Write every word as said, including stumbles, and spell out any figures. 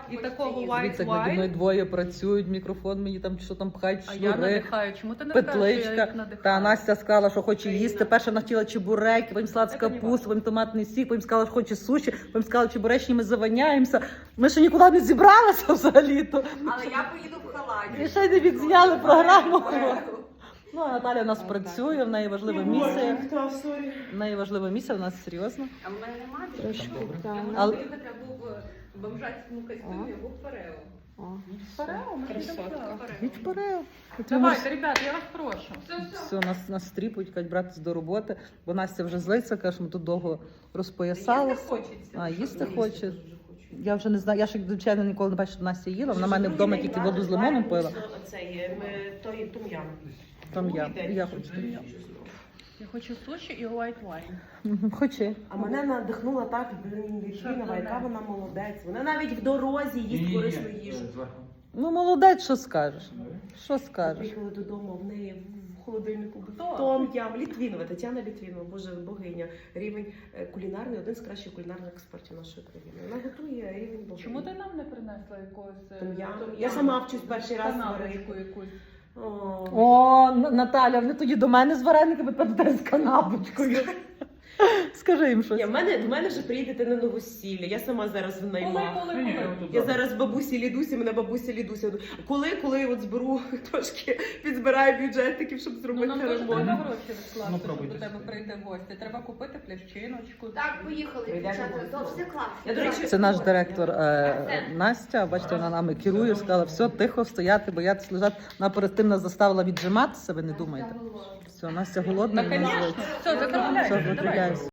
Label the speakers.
Speaker 1: і такого white
Speaker 2: Дивіться, як наді мною
Speaker 1: wine.
Speaker 2: двоє працюють, мікрофон мені там що там пхають,
Speaker 1: А я
Speaker 2: шнури,
Speaker 1: надихаю. Чому ти не скажеш, що я їх
Speaker 2: петличка.
Speaker 1: надихаю?
Speaker 2: Та Настя сказала, що хоче їсти. Перша вона хотіла чебуреки, потім салат з
Speaker 1: Це не
Speaker 2: капусти, потім томатний сік, потім сказала, що хоче суші, потім сказала, чебуречні ми заваняємося. Ми ще нікуди не зібралися взагалі-то.
Speaker 3: Але я поїду в халаті.
Speaker 2: І ще не відзняли програму. Ну, а Наталя у нас працює, в неї важлива місія. В неї важлива місія, у нас серйозно.
Speaker 3: А в мене немає
Speaker 2: Трошки,
Speaker 3: такого.
Speaker 2: так.
Speaker 3: Я
Speaker 2: Але-
Speaker 3: можу їхати або в бомжатському костюмі, або в парео.
Speaker 1: Парео, ми
Speaker 3: Красотка.
Speaker 1: підемо парео.
Speaker 2: Від вперед.
Speaker 1: Давайте, ребят, я вас прошу. Все, все.
Speaker 2: Все, нас, нас стріпують, кажуть, братись до роботи, бо Настя вже злиться, каже, ми тут довго розпоясалися.
Speaker 1: Їсти хочеться.
Speaker 2: А, їсти хоче. Я вже не знаю, я ж як звичайно ніколи не бачила, щоб Настя їла. Вона в мене вдома тільки воду з лимоном пила.
Speaker 4: Цей, ми, той тум'ян.
Speaker 2: Там я, я хочу там я.
Speaker 1: Я хочу суші і white wine.
Speaker 2: Мгм, Хоче.
Speaker 4: А мене надихнула так, блін, Літвінова, яка вона молодець. Вона навіть в дорозі їсть корисну їжу.
Speaker 2: Ну, молодець, що скажеш? Що скажеш?
Speaker 4: Приїхали додому, в неї в холодильнику був
Speaker 1: Хто?
Speaker 4: том-ям. Літвінова, Тетяна Літвінова, боже, богиня. Рівень е, кулінарний, один з кращих кулінарних експертів нашої країни. Вона готує рівень богині.
Speaker 1: Чому ти нам не принесла якогось е,
Speaker 4: Том-ям?
Speaker 1: том-ям?
Speaker 4: Я сама вчусь перший раз
Speaker 1: Канапочку
Speaker 4: варити.
Speaker 1: якусь.
Speaker 4: О.
Speaker 2: О, Н- Наталя, вони тоді до мене з варениками, тепер з канапочкою. Скажи їм щось.
Speaker 4: Ні, в мене, в мене вже приїдете на новосілля. Я сама зараз в
Speaker 1: Коли,
Speaker 4: наймах.
Speaker 1: коли, коли?
Speaker 4: Я зараз бабусі Лідусі, мене бабуся Лідуся. Коли, коли от зберу трошки підзбираю бюджетиків, щоб
Speaker 1: Ну,
Speaker 4: зробити
Speaker 1: нам дуже
Speaker 4: ремонт.
Speaker 1: треба гроші відкласти,
Speaker 5: Ну,
Speaker 1: щоб
Speaker 5: пробуйте.
Speaker 1: до тебе прийде гості. Треба купити плящиночку.
Speaker 3: Так, поїхали,
Speaker 4: Прийдемо.
Speaker 3: дівчата. То все класно.
Speaker 4: Я, до речі,
Speaker 2: Це наш директор е, Настя. Бачите, вона нами керує, сказала, все, тихо, стояти, боятися лежати. Вона перед тим нас заставила віджиматися, ви не думаєте. Все, Настя голодна,
Speaker 1: Та,
Speaker 2: вона
Speaker 1: звісно.
Speaker 2: злиться.
Speaker 1: Все,
Speaker 2: Все,
Speaker 1: закривайся. Давай.
Speaker 2: закривайся.